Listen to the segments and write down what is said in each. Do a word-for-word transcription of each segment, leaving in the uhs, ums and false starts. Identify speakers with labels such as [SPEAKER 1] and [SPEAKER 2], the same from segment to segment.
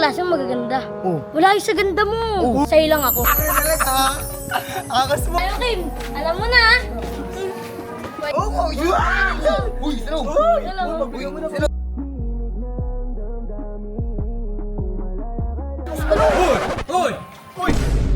[SPEAKER 1] klaseng magaganda.
[SPEAKER 2] Oh.
[SPEAKER 1] Wala yung sa ganda mo.
[SPEAKER 2] Oh.
[SPEAKER 1] Sa'yo lang ako.
[SPEAKER 2] Ano talaga? Akas mo.
[SPEAKER 1] Ayo, Kim. Alam mo na.
[SPEAKER 2] Oh, oh, yun! Uy, sino?
[SPEAKER 1] Alam mo.
[SPEAKER 2] Uy, sino?
[SPEAKER 3] Hoy! Hoy!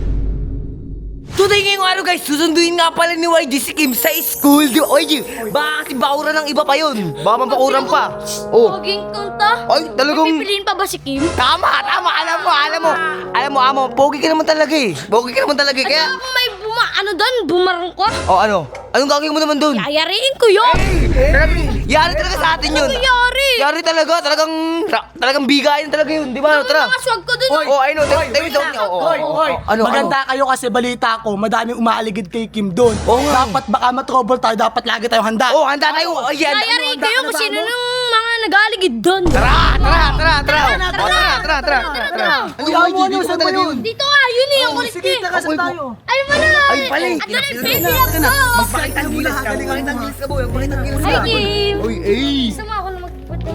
[SPEAKER 3] Today ngayong araw guys, susunduin nga pala ni Y G si Kim sa school. Di ba, Y G? Baka kasi bakuran ng iba pa yun. Baka mabakuran pa. Oh.
[SPEAKER 1] Poging kanta.
[SPEAKER 3] Ay, talagang...
[SPEAKER 1] Pipiliin pa ba si Kim?
[SPEAKER 3] Tama, tama. Alam mo, alam mo. Alam mo, amo, pogi ka naman talaga eh. Pogi ka naman talaga eh. Kaya...
[SPEAKER 1] Ano kung may buma, ano doon? Bumarang ko?
[SPEAKER 3] Oh, ano? Anong gagawin mo naman dun?
[SPEAKER 1] Yayariin ko yun.
[SPEAKER 3] Yari talaga sa atin yun.
[SPEAKER 1] Ano yari?
[SPEAKER 3] Yari talaga. Talagang... Talagang bigayan talaga yun. Di ba?
[SPEAKER 1] Ano
[SPEAKER 3] Tara.
[SPEAKER 1] mga swag ko doon?
[SPEAKER 3] Oh, I know. Tayo tayo doon niya.
[SPEAKER 4] Hoy, hoy,
[SPEAKER 3] Ano,
[SPEAKER 4] maganda kayo kasi balita ko, madaming umaaligid kay Kim doon.
[SPEAKER 3] Oo nga.
[SPEAKER 4] Dapat baka matrouble tayo, dapat lagi tayong handa.
[SPEAKER 3] Oh, handa tayo. Ayan.
[SPEAKER 1] Yayariin ko yun kung sino nung mga nag-aaligid doon.
[SPEAKER 3] Tara, tara, tara, tara.
[SPEAKER 1] Tara,
[SPEAKER 3] Oh, tara, tara, tara.
[SPEAKER 1] tara.
[SPEAKER 4] Uy, amo, ano, saan ba yun?
[SPEAKER 1] Dito nga, yun eh, ang kulit
[SPEAKER 4] Sige,
[SPEAKER 1] eh.
[SPEAKER 4] tara, saan tayo?
[SPEAKER 1] Ay, wala.
[SPEAKER 3] Ay, pala eh.
[SPEAKER 1] At doon yung baby
[SPEAKER 3] Tara
[SPEAKER 1] ako.
[SPEAKER 3] na. Magpakita ng gilas ka. Magpakita ng gilas ka, boy. Magpakita ng gilas
[SPEAKER 1] Ay,
[SPEAKER 3] ka.
[SPEAKER 1] Kim.
[SPEAKER 2] Uy, eh!
[SPEAKER 1] Gusto mo ako na magputo?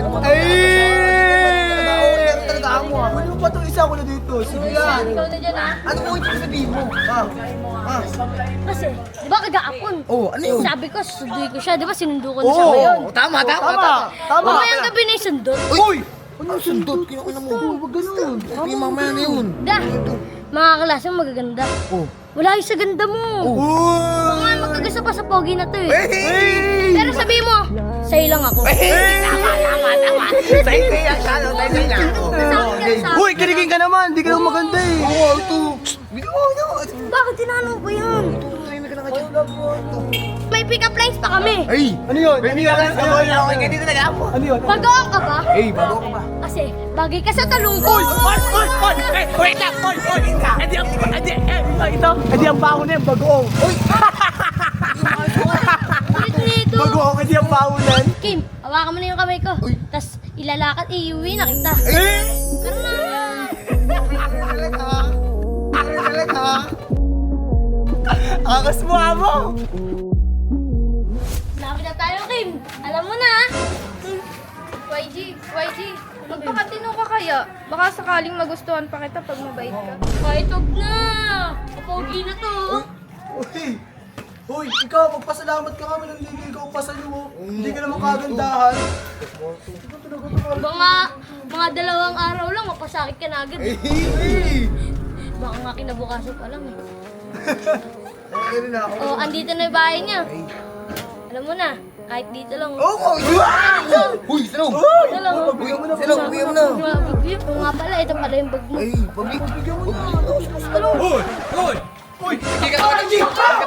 [SPEAKER 2] Talaga amo ah.
[SPEAKER 4] Ano pa itong isa ko na dito? Sige yan.
[SPEAKER 1] Ikaw na dyan, ha?
[SPEAKER 2] Ano ko yung sabihin mo? Ah, ah.
[SPEAKER 1] Kasi, di ba kagahapon?
[SPEAKER 2] Oh, ano yun?
[SPEAKER 1] Sabi ko, susunduin ko siya. Di ba sinundo ko na siya
[SPEAKER 4] Oo.
[SPEAKER 1] ngayon?
[SPEAKER 3] Oh, tama, tama,
[SPEAKER 4] Tama,
[SPEAKER 3] tama.
[SPEAKER 4] tama.
[SPEAKER 1] Mamayang gabi na yung sundot.
[SPEAKER 2] Uy! Ano sundot? Kinakina mo.
[SPEAKER 4] Huwag ganun.
[SPEAKER 2] Ay, mamaya na yun.
[SPEAKER 1] Da, mga klaseng magaganda.
[SPEAKER 2] Oh.
[SPEAKER 1] Wala yung sa ganda mo. Baka nga magkagasa pa sa pogi na to eh.
[SPEAKER 2] Hey!
[SPEAKER 1] Pero sabihin mo, sa'yo lang ako.
[SPEAKER 3] Tama, tama, tama. Sa'yo sa'yo yan, siya, no? Sa'yo sa'yo yan. Oh.
[SPEAKER 1] Sa akin ka sa akin.
[SPEAKER 4] Uy, kiligin ka naman, hindi ka naman maganda eh.
[SPEAKER 2] Oo, ito. Bigyan mo, ano?
[SPEAKER 1] Bakit tinanong ko yan? May pick-up lines pa kami.
[SPEAKER 2] Ay!
[SPEAKER 4] Ano yun? Ano yun? Ano yun?
[SPEAKER 3] Okay, ganito talaga ako.
[SPEAKER 4] Ano yun?
[SPEAKER 1] Bagoong ka ba?
[SPEAKER 2] Ay, bago ka ba?
[SPEAKER 1] Kasi bagay ka sa talong ko.
[SPEAKER 4] Uy! Uy! Uy! Uy! Eh, wait lang! Uy! Uy! Edi ang... Edi... Eh, ito, ito. Edi ang baho na yung bagoong. Uy!
[SPEAKER 1] Ulit nito.
[SPEAKER 4] Bagoong, edi ang baho na.
[SPEAKER 1] Kim, hawakan mo na yung kamay ko. Tapos ilalakad, iuwi na kita.
[SPEAKER 2] Eh!
[SPEAKER 1] Tara na.
[SPEAKER 2] Talaga? Talaga?
[SPEAKER 4] Angas mo, amo!
[SPEAKER 1] Lapit na tayo, Kim. Alam mo na.
[SPEAKER 5] Y G, Y G, magpakatino ka kaya? Baka sakaling magustuhan pa kita pag mabait ka.
[SPEAKER 1] Kahit huwag na. Kapogi na to.
[SPEAKER 4] Uy! Uy, ikaw, magpasalamat ka kami ng liligaw pa sa'yo. oh. Hindi ka naman kagandahan.
[SPEAKER 1] Mga, mga dalawang araw lang, mapasakit ka na agad.
[SPEAKER 2] Hey!
[SPEAKER 1] Baka nga kinabukasan pa lang eh.
[SPEAKER 2] Okay rin ako.
[SPEAKER 1] Oh, andito na yung bahay niya. Alam mo na, kahit dito lang.
[SPEAKER 2] Oo, oh, yun! Uy, sino?
[SPEAKER 1] Ito lang. oh.
[SPEAKER 2] Uy, sino? Bigyan mo na.
[SPEAKER 1] Bigyan mo nga pala, ito pala yung bag mo.
[SPEAKER 2] Ay, pabig.
[SPEAKER 4] Bigyan mo na.
[SPEAKER 3] Hoy! Hoy!
[SPEAKER 4] Uy!
[SPEAKER 2] Hindi ka naman. Hindi ka